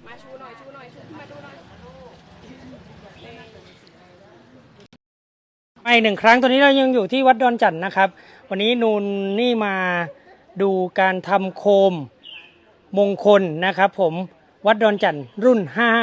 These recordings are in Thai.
มาชูหน่อยชูหน่อยชูมาดูหน่อยมาอีกหนึ่งครั้งตอนนี้เรายังอยู่ที่วัดดอนจันทน์นะครับวันนี้นูนนี่มาดูการทำโคมมงคลนะครับผมวัดดอนจันทน์รุ่น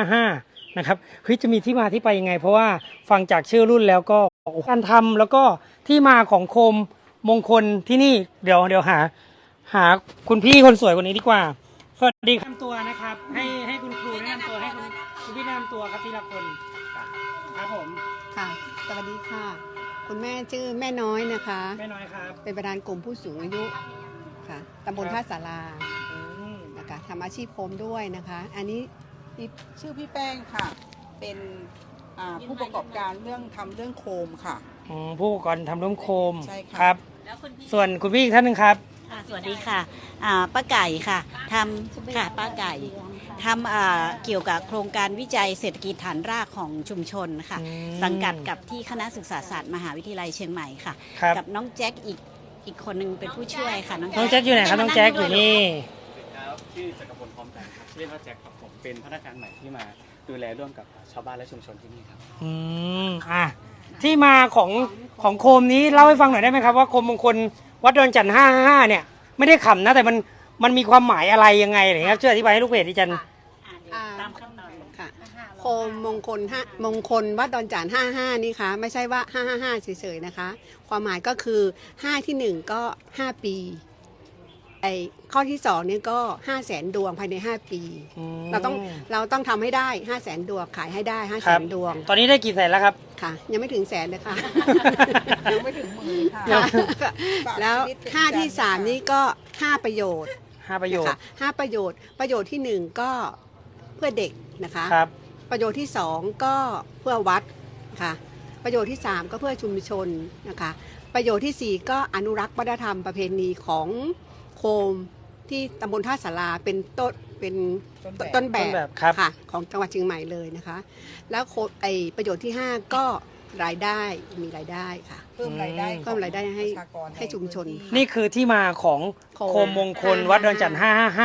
555นะครับเฮ้ยจะมีที่มาที่ไปยังไงเพราะว่าฟังจากชื่อรุ่นแล้วก็การทำแล้วก็ที่มาของโคมมงคลที่นี่เดี๋ยวหาคุณพี่คนสวยคนนี้ดีกว่าสวัสดีครับตัวนะครับให้คุณครูแนะนำตัวให้คุณพี่แนะนำตัวครับทีละคนครับผมค่ะสวัสดีค่ะคุณแม่ชื่อแม่น้อยนะคะแม่น้อยครับเป็นประธานกลุ่มผู้สูงอายุค่ะตำบลท่าสารานะคะทำอาชีพโคมด้วยนะคะอันนี้ชื่อพี่แป้งค่ะเป็นผู้ประกอบการเรื่องโคมค่ะผู้ประกอบการทำร่วมโคมใช่ค่ะครับส่วนคุณพี่อีกท่านหนึ่งครับสวัสดีค่ะป้าไก่ค่ะทำค่ะป้าไก่ทำเกี่ยวกับโครงการวิจัยเศรษฐกิจฐานรากของชุมชนค่ะสังกัดกับที่คณะศึกษาศาสตร์มหาวิทยาลัยเชียงใหม่ค่ะกับน้องแจ็คอีกคนหนึ่งเป็นผู้ช่วยค่ะน้องแจ็คอยู่ไหนครับน้องแจ็คอยู่นี่ชื่อจักรพลพร้อมใจครับชื่อเล่นว่าแจ็คครับผมเป็นพนักงานใหม่ที่มาดูแลร่วมกับชาวบ้านและชุมชนที่นี่ครับที่มาของโคมนี้เล่าให้ฟังหน่อยได้ไหมครับว่าโคมมงคลวัดดอนจันทน์555เนี่ยไม่ได้ขำนะแต่มันมีความหมายอะไรยังไงอะไรครับช่วยอธิบายให้ลูกเพจดิฉันตามขั้นตอนค่ะโคมมงคลวัดดอนจันทน์55นี่ค่ะไม่ใช่ว่า555เฉยๆนะคะความหมายก็คือ5ที่1ก็5ปีข้อที่2นี่ก็500,000 ดวงภายใน5ปีเราต้องทำให้ได้500,000 ดวงขายให้ได้500,000 ดวงตอนนี้ได้กี่แสนแล้วครับค่ะยังไม่ถึงแสนเลยค่ะยังไม่ถึงหมื่นค่ะแล้ว5ที่3นี่ก็5ประโยชน์ 5ประโยชน์ 5ประโยชน์ที่1ก็เพื่อเด็กนะคะประโยชน์ที่2ก็เพื่อวัดค่ะประโยชน์ที่3ก็เพื่อชุมชนนะคะประโยชน์ที่4ก็อนุรักษ์วัฒนธรรมประเพณีของโคมที่ตำบลท่าสาราเป็นต้นแบบค่ะของจังหวัดเชียงใหม่เลยนะคะแล้วประโยชน์ที่5ก็รายได้มีรายได้ค่ะเพิ่มรายได้ให้ชุมชนนี่คือที่มาของโคมมงคลวัดดอนจันทน์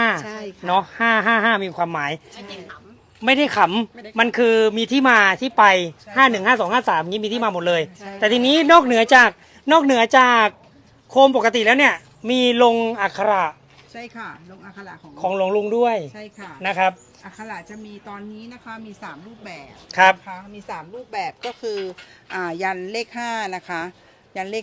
555เนาะ555มีความหมายไม่ได้ขำมันคือมีที่มาที่ไป515253นี้มีที่มาหมดเลยแต่ทีนี้นอกเหนือจากโคมปกติแล้วเนี่ยมีลงอักขระใช่ค่ะลงอักขระของหลวงลุงด้วยใช่ค่ะนะครับอักขระจะมีตอนนี้นะคะมี3รูปแบบครับนะคะมี3รูปแบบก็คือยันเลข5นะคะยันเลข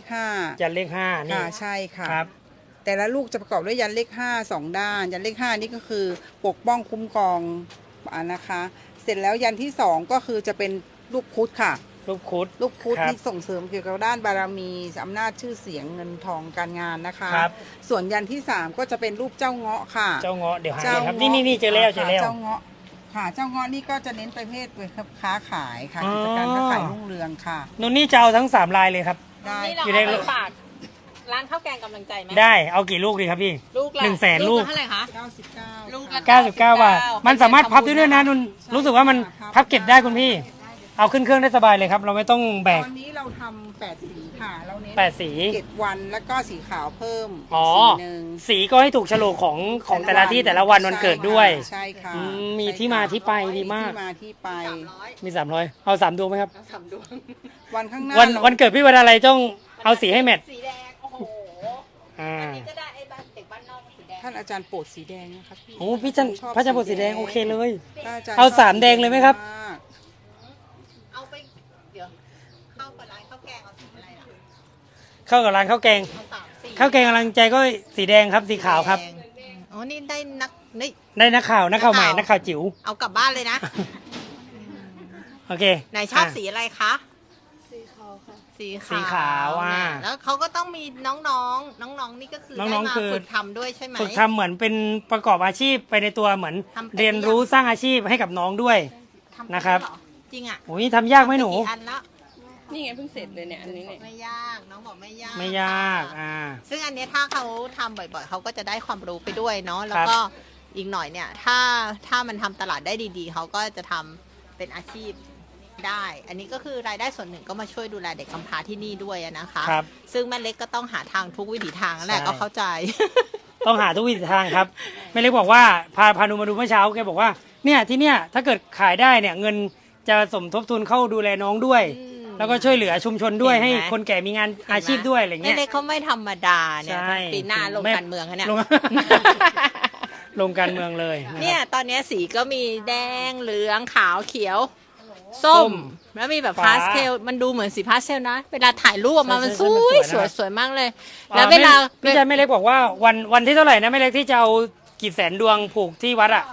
5 นี่ใช่ค่ะครับแต่ละลูกจะประกอบด้วยยันเลข5 2ด้านยันเลข5นี่ก็คือปกป้องคุ้มครองนะคะเสร็จแล้วยันที่2ก็คือจะเป็นลูกพุธค่ะลูกพุธที่ส่งเสริมเกี่ยวกับด้านบารมีอำนาจชื่อเสียงเงินทองการงานนะคะส่วนยันที่3ก็จะเป็นรูปเจ้าเงาะค่ะเจ้าเงาะเดี๋ยวหาครับนี่เจอแล้วเจ้าเงาะค่ะเจ้าเงาะนี่ก็จะเน้นประเภทค้าขายค่ะกิจการค้าขายรุ่งเรืองค่ะนุ่นนี่จะเอาทั้ง3ลายเลยครับได้อยู่ในฝากร้านข้าวแกงกำลังใจไหมได้เอากี่ลูกดีครับพี่ลูกละ 100,000 ลูกเท่าไหร่คะ 99ลูกละ 99 บาทมันสามารถพับได้ด้วยนะนุ่นรู้สึกว่ามันพับเก็บได้คุณพี่เอาขึ้นเครื่องได้สบายเลยครับเราไม่ต้องแบกตอนนี้เราทำ8สีค่ะเราเน้น 8สี 7วันแล้วก็สีขาวเพิ่มสีก็ให้ถูกโฉลกของแต่ละที่แต่ละวันเกิดด้วยใช่ค่ะมีที่มาที่ไปดีมากที่มาที่ไปมี300เอา3 ดวงไหมครับ 3 ดวงวันข้างหน้าวันเกิดพี่วันอะไรต้องเอาสีให้แมทสีแดงโอ้โหอันนี้ก็ได้ไอ้บ้านเด็กบ้านนอกสีแดงท่านอาจารย์โปรดสีแดงนะครับโอ้พี่จันพระอาจารย์โปรดสีแดงโอเคเลยเอา3 แดงเลยไหมครับเข้ากับร้านข้าวแกงเอาสีอะไรล่ะเข้ากับร้านข้าวแกงข้าวแกงกำลังใจก็สีแดงครับสีขาวครับอ๋อนี่ได้นักข่าวใหม่นักข่าวจิ๋วเอากลับบ้านเลยนะโอเคไหนชอบสีอะไรคะสีขาวค่ะสีขาวแล้วเขาก็ต้องมีน้องนี่ก็คือได้มาฝึกทำด้วยใช่ไหมฝึกทำเหมือนเป็นประกอบอาชีพไปในตัวเหมือนเรียนรู้สร้างอาชีพให้กับน้องด้วยนะครับจริงอ่ะโอ้ยทำยากไหมหนูนี่ไงเพิ่งเสร็จเลยเนี่ยอันนี้เนี่ยไม่ยากน้องบอกไม่ยากซึ่งอันนี้ถ้าเขาทำบ่อยๆเขาก็จะได้ความรู้ไปด้วยเนาะแล้วก็อีกหน่อยเนี่ยถ้ามันทำตลาดได้ดีๆเขาก็จะทำเป็นอาชีพได้อันนี้ก็คือรายได้ส่วนหนึ่งก็มาช่วยดูแลเด็กกำพร้าที่นี่ด้วยนะคะซึ่งแม่เล็กก็ต้องหาทางทุกวิถีทางนั่นแหละก็เข้าใจต้องหาทุกวิถีทางครับแม่เล็กบอกว่าพานูมาดูเมื่อเช้าแกบอกว่าเนี่ยที่เนี่ยถ้าเกิดขายได้เนี่ยเงินจะสมทบทุนเข้าดูแลน้องด้วย แล้วก็ช่วยเหลือชุมชนด้วยเห็นไหมให้คนแก่มีงานอาชีพด้วยอะไรเงี้ยเล็กๆเขาไม่ธรรมดาเนี่ยใช่ปีหน้าลงการเมืองอะเนี่ยลง ลงการเมืองเลยะครับเนี่ยตอนนี้สีก็มีแดงเหลืองขาวเขียวส้ส้มม แล้วมีแบบฟ้าพาสเทลมันดูเหมือนสีพาสเทลนะ เวลาถ่ายรูปออกมามันใช่สใช่วยมันสวยนะครับสวยมากเลย แล้วเวลาพี่ชายแม่เล็กบอกว่าวันที่เท่าไหร่นะแม่เล็กที่จะเอากี่แสนดวงผูกที่วัดอ่ะ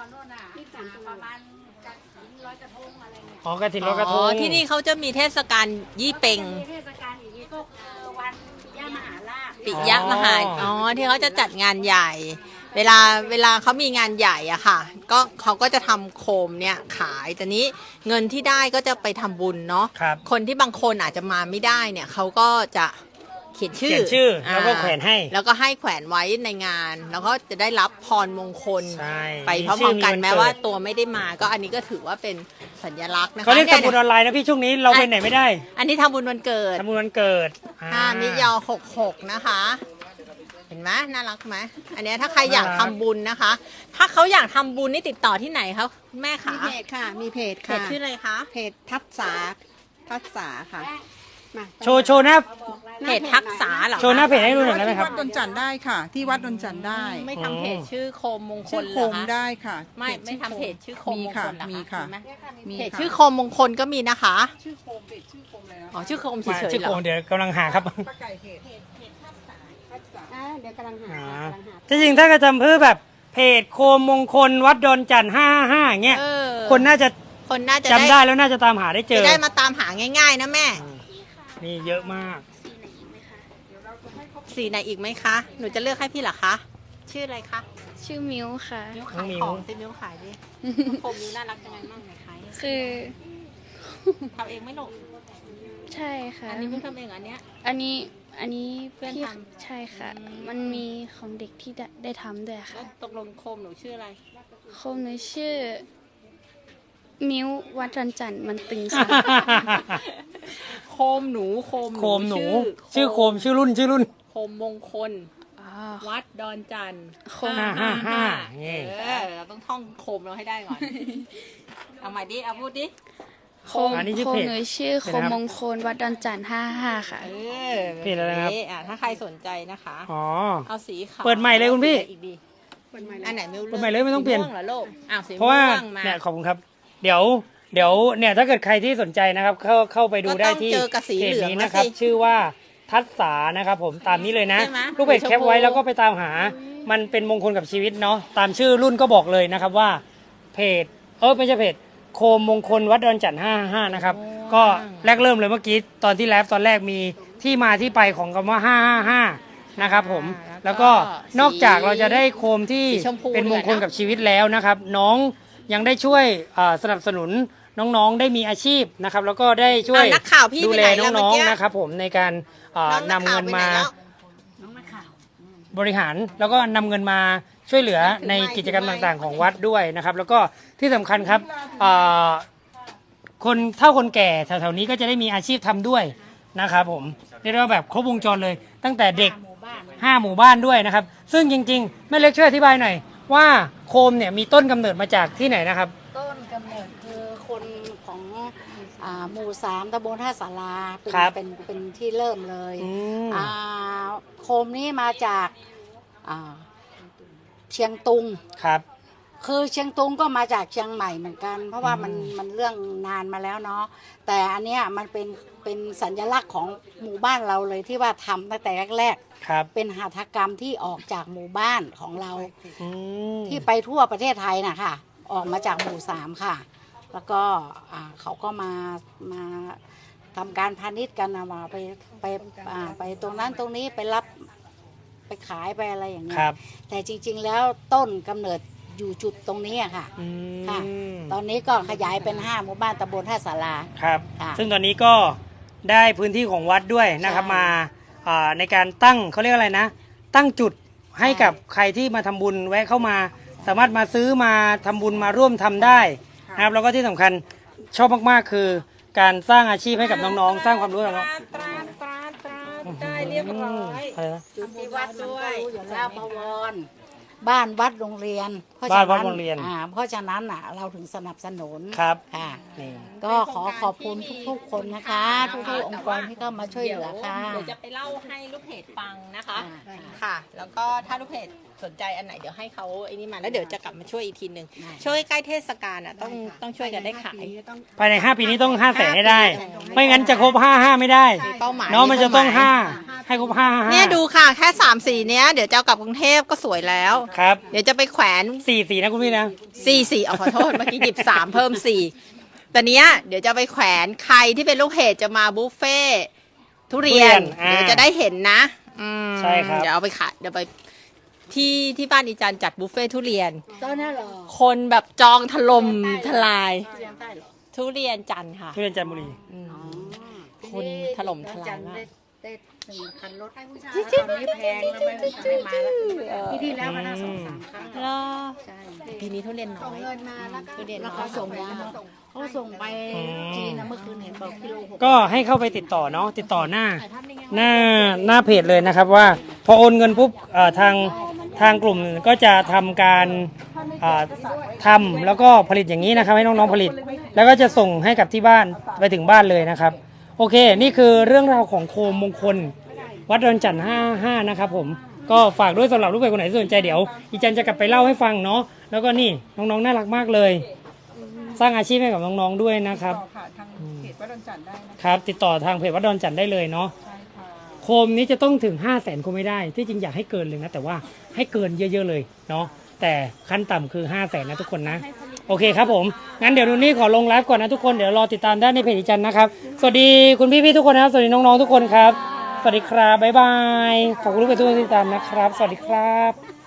อ๋อกระถิ่นลอยกระทงที่นี่เขาจะมีเทศกาลยี่เปงเทศกาลอย่างนี้ก็วันปิยมหาราชปิยมหาที่เขาจะจัดงานใหญ่ เวลาเขามีงานใหญ่อะค่ะ ก็เขาก็จะทำโคมเนี่ยขายแต่นี้เงินที่ได้ก็จะไปทำบุญเนาะครับคนที่บางคนอาจจะมาไม่ได้เนี่ยเขาก็จะเขียนชื่อเขียนชื่อแล้วก็แขวนให้แล้วก็ให้แขวนไว้ในงาน แล้วก็จะได้รับพรมงคลใช่ไปพร้อมๆกันมีชื่อแม้ว่าตัวไม่ได้มาก็อันนี้ก็ถือว่าเป็นสัญลักษณ์นะคะเขาเรียกนี่ทำบุญออนไลน์นะพี่ช่วงนี้เราไปไหนไม่ได้อันนี้ทำบุญวันเกิดทำบุญวันเกิดมิยอ66นะคะ เห็นไหมน่ารักไหมอันเนี้ยถ้าใครอยากทำบุญนะคะ ถ้าเขาอยากทำบุญนี่ติดต่อที่ไหนคะคุณแม่มีคะเพจค่ะ มีเพจเพค่ะจชื่ออะไรคะเพจทัศษาค่ะมาโชว์หน้าเพจทักษาเหรอคะโชว์หน้าเพจให้ดูหน่อยได้ไหมครับวัดดอนจันทร์ได้ค่ะ ที่วัดดอนจันทร์ได้ไม่ทำเพจชื่อโคมมงคชื่ลอเหโครอมคะได้ค่ะไม่ทำเพจชื่อโคมมงคลเหรอมีคะค่ะมีไหมมีเพจค่ะชื่อโคมมงคลก็มีนะคะชื่อโคมเพจชื่อโคมเลยนะอ๋อชื่อโคมเฉมายๆชื่อเหรโคอมเดี๋ยวกำลังหาครับป้าไก่เพจเดี๋ยวกำลังหาอ่ากำลังหาจริงๆถ้ากระทำเพื่อแบบเพจโคมมงคลวัดดอนจันทร์555อย่างเงี้ยเออคนน่าจะคนน่าจะจำได้แล้วน่าจะตามหาได้เจจะอได้มาตามหาง่ายๆนะแม่นี่เยอะมากสีไหนอีกไหมคะ หนูจะเลือกให้พี่เหรอคะ ชื่ออะไรคะชื่อมิวค่ะมิ้วขายน้องมิ้วของสิมิ้วขายดิโคมมิ้วน่ารักยังไงบ้างไหนขายคือทำเองไหม่ลงใช่ค่ะอันนี้เพิ่งทำเองอันเนี้ยอันนี้เพื่อนพี่ทใช่ค่ะอืมมันมีของเด็กที่ได้ทำด้วยแล้ค่ะวตกลงโคมหนูชื่ออะไรโคมหนูชื่อ มิววัดรันจันทร์มันตึงค่ะโคมหนูโคมหนู ชื่อโคมชื่อรุ่นโคมมงคลอ๋อวัดดอนจันทร์โคม 555นี่เราต้องท่องโคมเราให้ได้ก่อน เอาใหม่ดิ เอาพูดดิโคมอันนี้ชื่อโคเพมจหนูชื่อเดี๋โคยวนะครับมมงคลวัดดอนจันทร์55ค่ะเออเพจอะไรนะครับถ้าใครสนใจนะคะอ๋อเอาสีขาวเปิดใหม่เลยคุณพี่อีกดีเปิดใหม่อันไหนเลยไม่รู้เปิดใหม่เลยไม่ต้องเปลี่ยนสีม่วงเหรอลูกอ้าวสีเพราะว่าม่วงมาเนี่ยขอบคุณครับ เดี๋ยวเนี่ยถ้าเกิดใครที่สนใจนะครับเข้าไปดูได้ที่ก็ต้องเจอกับสีเพจเหลืองนี้แล้วนะครับสิชื่อว่าทัศษานะครับผมตามนี้เลยนะใช่ไหมลูกเพจแคปไว้แล้วก็ไปตามหา มันเป็นมงคลกับชีวิตเนาะตามชื่อรุ่นก็บอกเลยนะครับว่าเพจไม่ใช่เพจโคมมงคลวัดดอนจันทร์555นะครับก็แรกเริ่มเลยเมื่อกี้ตอนที่ไลฟ์ตอนแรกมีที่มาที่ไปของคำว่า555นะครับผมแล้วก็นอกจากเราจะได้โคมที่สีชมพูเป็นมงคลด้วยนะกับชีวิตแล้วนะครับ น้องยังได้ช่วยสนับสนุนน้องๆได้มีอาชีพนะครับแล้วก็ได้ช่วยอ้าวนักข่าวพี่ดูไปแลไหนแล้วน้องเมื่อกี้ๆนะครับผมในการน้องนำเงินมาข่วไปไหแล้วบริหารแล้วก็นำเงินมาช่วยเหลือในกิจกรรมต่างๆของวัดด้วยนะครับ แล้วก็ที่สำคัญครับคนเฒ่าคนแก่แถวๆนี้ก็จะได้มีอาชีพทำด้วยนะครับผมเรียกได้ว่าแบบครบวงจรเลย ตั้งแต่เด็ก5 หมู่บ้านด้วยนะครับ ซึ่งจริงๆแม่เล็กช่วยอธิบายหน่อยว่าโคมเนี่ยมีต้นกำเนิดมาจากที่ไหนนะครับต้นกำเนิดคือคนของหมู่3ตำบลท่าสาราเป็นครับเป็นที่เริ่มเลยอืมโคมนี้มาจากเชียงตุงครับคือเชียงตุงก็มาจากเชียงใหม่เหมือนกัน เพราะว่ามันเรื่องนานมาแล้วเนาะแต่อันเนี้ยมันเป็นสัญลักษณ์ของหมู่บ้านเราเลยที่ว่าทำตั้งแต่แรกครับๆเป็นหัตถกรรมที่ออกจากหมู่บ้านของเราอืมที่ไปทั่วประเทศไทยนะคะออกมาจากหมู่3ค่ะ แล้วก็เขาก็มาทำการพาณิชย์กันนะมาไปตรงนั้นตรงนี้ไปรับไปขายไปอะไรอย่างเงี้คยรับแต่จริงๆแล้วต้นกำเนิดอยู่จุดตรงนี้อะค่ะอืค่ะมตอนนี้ก็ขยายเป็น5 หมู่บ้านตำบลท่าสาราครับค่ะซึ่งตอนนี้ก็ได้พื้นที่ของวัดด้วยนะครับใช่มาในการตั้งเขาเรียกอะไรนะ ตั้งจุดให้กับใครที่มาทำบุญแวะเข้ามา สามารถมาซื้อมาทำบุญมาร่วมทำได้นะครับแล้วก็ที่สำคัญชอบมากๆคือการสร้างอาชีพให้กับน้องๆ สร้างความรู้กับน้องตราได้เรียบร้อยอะไรนะจุดที่วัดด้วยอยู่แล้วบวรบ้านวัดโรงเรียนบ้านวัดโรงเรียนเพราะฉะนั้นเราถึงสนับสนุนครับค่ะนี่ก็ขอขอบคุณทุกๆคนนะคะ ทุกๆองค์กรที่เข้ามาช่วยเหลือค่ะเดี๋ยวจะไปเล่าให้ลูกเพจฟังนะคะได้ค่ะ แล้วก็ถ้าลูกเพจสนใจอันไหนเดี๋ยวให้เขาไอ้นี่มาแล้วเดี๋ยวจะกลับมาช่วยอีกทีหนึ่งได้ช่วยใกล้เทศกาลอ่ะต้องช่วยกันได้ขายภายใน 5 ปีนี้ต้อง 500,000ให้ได้ ไม่งั้นจะครบ 55 ไม่ได้เป้าหมายเนาะมันจะต้อง 5 ให้ครบ 5 เนี่ยดูค่ะแค่3 สีเนี้ยเดี๋ยวจะเอากลับกรุงเทพก็สวยแล้วครับเดี๋ยวจะไปแขวน 4 นะคุณพี่นะ 4เอาขอโทษเมื่อกี้หยิบ3เพิ่ม4แต่เนี้ยเดี๋ยวจะไปแขวนใครที่เป็นลูกเพจจะมาบุฟเฟ่ต์ทุเรียนอ่าเดี๋ยวจะได้เห็นนะใช่ครับเดี๋ยวเอาไปขายเดี๋ยวไปที่บ้านอีจันจัดบุฟเฟ่ต์ทุเรียนตอนนั้นเหรอคนแบบจองถล่มทลายเรียนใต้เหรอทุเรียนจันทร์ค่ะทุเรียนจันทบุรีคนถล่มทลายมากได้1 คันรถให้ผู้ชายตอนนี้แพงแล้วไม่มาแล้วปีที่แล้วมาได้2-3 ครั้งแล้วใช่ปีนี้ทุเรียนน้อยทุเรียนแล้วน้อเขายส่งมาเขาส่งไปจีนนะเมื่อคืนเห็นบอกกิโล6 ก็ให้เข้าไปติดต่อเนาะติดต่อหน้าเพจเลยนะครับว่าพอโอนเงินปุ๊บทางกลุ่มก็จะทำการทำแล้วก็ผลิตอย่างนี้นะครับให้น้องๆผลิต แล้วก็จะส่งให้กับที่บ้านไปถึงบ้านเลยนะครับโอเคนี่คือเรื่องราวของโคมมงคลวัดดอนจันทร์55นะครับผมก็ฝากด้วยสำหรับลูกเพจคนไหนที่สนใจเดี๋ยวอีจันจะกลับไปเล่าให้ฟังเนาะแล้วก็นี่น้องๆน่ารักมากเลย สร้างอาชีพให้กับน้องๆด้วยนะครับต่อค่ะทางเพจวัดดอนจันทร์ได้นะคะครับติดต่อทางเพจวัดดอนจันทร์ได้เลยเนาะใช่ค่ะโคมนี้จะต้องถึง 500,000 คงไม่ได้ที่จริงอยากให้เกินเลยนะแต่ว่าให้เกินเยอะๆเลยเนาะแต่ขั้นต่ำคือ 500,000 นะทุกคนนะโอเคครับผมงั้นเดี๋ยวดูนี่ขอลงไลฟ์ก่อนนะทุกคนเดี๋ยวรอติดตามได้ในเพจอีจันนะครับสวัสดีคุณพี่ๆทุกคนนะครับสวัสดีน้องๆทุกคนครับสวัสดีครับบ๊ายบายขอบคุณทุกคนที่ติดตามนะครับสวัสดีครับ